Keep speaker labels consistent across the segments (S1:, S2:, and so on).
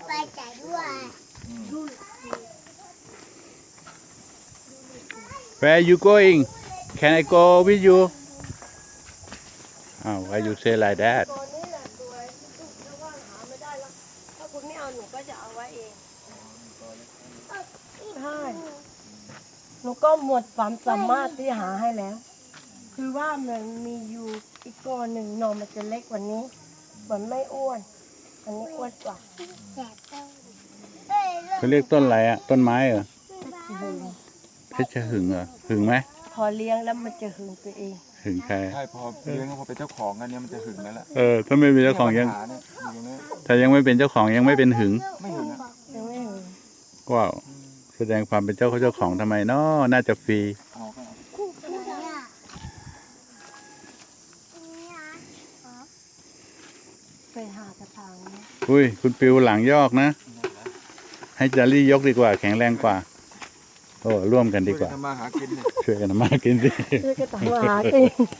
S1: ไปจ่ายด้วย
S2: Where are you going? Can I go with you? Oh, why you say like that?
S3: ตัวนี้แหละตัวถ้าว่างหาไม่ได้แล้วถ้าคุณไม่เอาหนูก็จะเอาไว้เองใช่หนูก็หมดความสามารถที่หาให้แล้ว คือว่ามันมีอยู่อีกตัวหนึ่งนมมันจะเล็กกว่านี้มันไม่อ้วนอันนี้อ้วนกว่า
S1: แสบต้อง
S2: เขาเรียกต้นอะไรอะต้นไม้เหรอเพชรหึงเหรอหึงไหม
S3: พอเลี้ยงแล้วมันจะหึงตัวเอง
S2: หึงใคร
S4: ใช่พอเลี้ยงพอเป็นเจ้าของกันเนี่ยมันจะหึงแล้วแหละ
S2: ถ้าไม่เป็นเจ้าของยัง
S4: ปัญหาเนี่ยอยู่ตรงนี้
S2: ถ้ายังไม่เป็นเจ้าของยังไม่เป็นหึง
S4: ไม่หึงอ่ะ
S3: ยังไม่หึง
S2: ว้าวแสดงความเป็นเจ้าของทำไมเนาะน่าจะฟรี
S4: เอาก็เอา
S1: คู่คู่เนี่ย
S3: ไปหากระถางนี้
S2: อุ้ยคุณปิวหลังยอกนะ ให้จารี่ยกดีกว่าแข็งแรงกว่า โอ้ร่วมกันดีกว่า
S4: ทำมาหากินเนี่ย
S2: ช่วยกันทำมากินดิ
S3: ช่วยกระถางหาเอง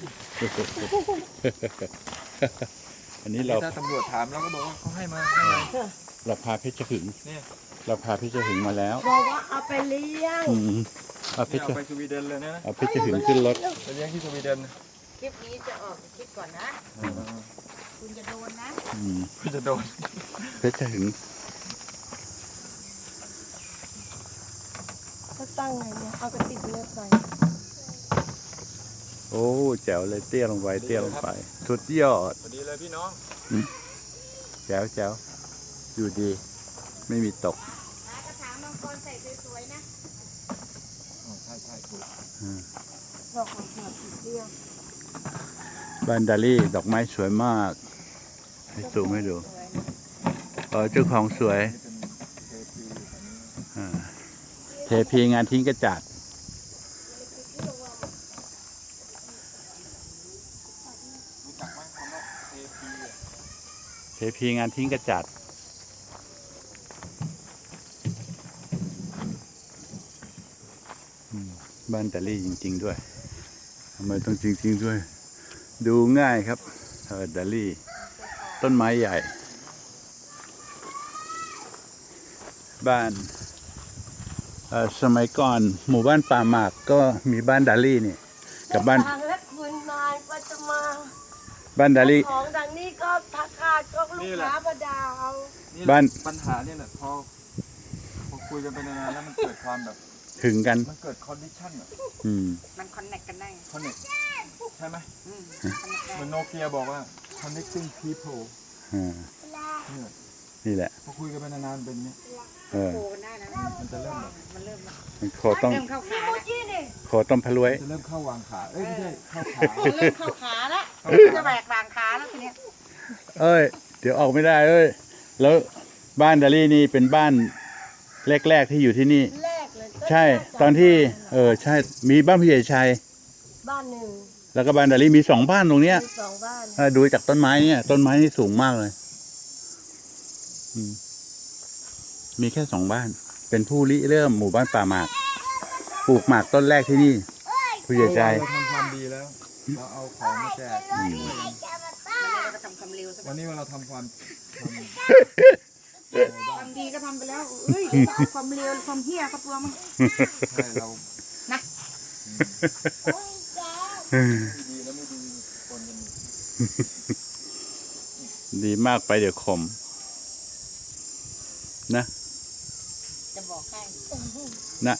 S2: อันนี้เรา
S4: ถ้าตำรวจถามเราก็บอกว่าเขาให้มา
S2: เราพาเพชรหึง
S4: เนี่ย
S2: เราพาเพชรหึงมาแล้ว
S3: บอกว่าเอาไปเลี้ยง
S2: อืมเอาเพชร
S4: เอาไปสวีเดนเลยนะ
S2: เอาเพชรหึงขึ้นรถ
S4: ไปเลี้ยงที่สวีเดน
S5: คลิปนี้จะออกคลิปก่อนนะ คุณจะโดนนะ
S2: อืม
S4: ก็จะโดน
S2: เพชรหึง
S3: ก็ตั้งไงเนี่ยเอากระติกเลือดไป
S2: โอ้แจ๋วเลยเตี้ยลงไปเตี้ยลงไปสุดยอด
S4: พอดีเลยพี่น้อง
S2: แจ๋วแจ๋วอยู่ดี ไม่มีตก
S5: หากระถางมังกรใส่สวยๆนะ
S4: ใช่ใช่ถูก
S3: ดอกของหัวสีเดียว
S2: บ้านดาลี่ดอกไม้สวยมาก ให้ซูมให้ดูเจ้าของสวย
S4: เทพีแบบนี้
S2: เทพีงานทิ้งกระจาด
S4: รู้จักไหมคำว่าเทพีอ่ะ
S2: เทพีงานทิ้งกระจาดบ้านดาลี่จริงๆด้วยทำไมต้องจริงๆด้วย ดูง่ายครับดาลี่ต้นไม้ใหญ่ บ้านสมัยก่อนหมู่บ้านป่าหมากก็มีบ้านดาลี่นี่กับบ้าน
S3: ทางและคุณนายก็จะมา
S2: บ้านดาลี่
S3: ของดังนี้ก็ทักทายก็ลูกค้าประดาว
S4: นี่
S2: บ้าน
S4: ปัญหาเนี่ยแหละพอคุยกันไปนานๆแล้วมันเกิดความแบบ
S2: ถึงกัน
S4: มันเกิดคอนดิชันอ่ะ
S2: อืม
S5: มันคอนเนคกันได้
S4: คอนเนคใช่ไหม
S5: อืม
S4: เหมือนโนเกียบอกว่า connecting people
S2: อ่า
S4: เนี่ย
S2: นี่แหละ
S4: พอคุยกันไปนานๆเป็นอย่างเงี้ย
S2: เออ
S5: โคกันได้นะ
S4: มันจะเริ่มแบบ
S5: มันเริ่ม
S2: มันโคต้อง
S5: เริ่มเข้าขาแล้ว
S3: นี่นี่
S2: โคต้มพะรวย
S4: จะเริ่มเข้าวางขาเอ้ยไม่ใช่เข้าขา
S5: เริ่มเข้าขาแล้วจะแบกบางขาแล้วทีเนี้ย
S2: เอ้ย เดี๋ยวออกไม่ได้เอ้ย แล้วบ้านดาลี่นี่เป็นบ้านแรกๆที่อยู่ที่นี่
S3: แรกเลยก็
S2: ใช่ ตอนที่ใช่มีบ้านผู้ใหญ่ชัย
S3: บ้านหนึ่ง
S2: แล้วก็บ้านดาลี่มี2 บ้านตรงเนี้ย
S3: มี2 บ้าน
S2: ถ้าดูจากต้นไม้เนี่ย ต้นไม้นี่สูงมากเลยอืมมีแค่2 บ้าน เป็นผู้ริเริ่มหมู่บ้านป่าหมากปลูกหมากต้นแรกที่นี่ ผู้ใหญ่ชัย
S4: เราทำความดีแล้ว เราเอาของมาแจก
S5: มันเลยก็ทำความเร็วสัก
S4: วันนี้เราทำความ
S5: ความดีก็ทำไปแล้วเอ้ยความเร็วความเฮี้ยก็ตัวมัน
S4: ใช่เรา
S5: นะ
S4: ดีแล้วไม่ดีปนกันอยู่
S2: ดีมากไปเดี๋ยวขม นะ
S5: จะบอกให้
S2: นะ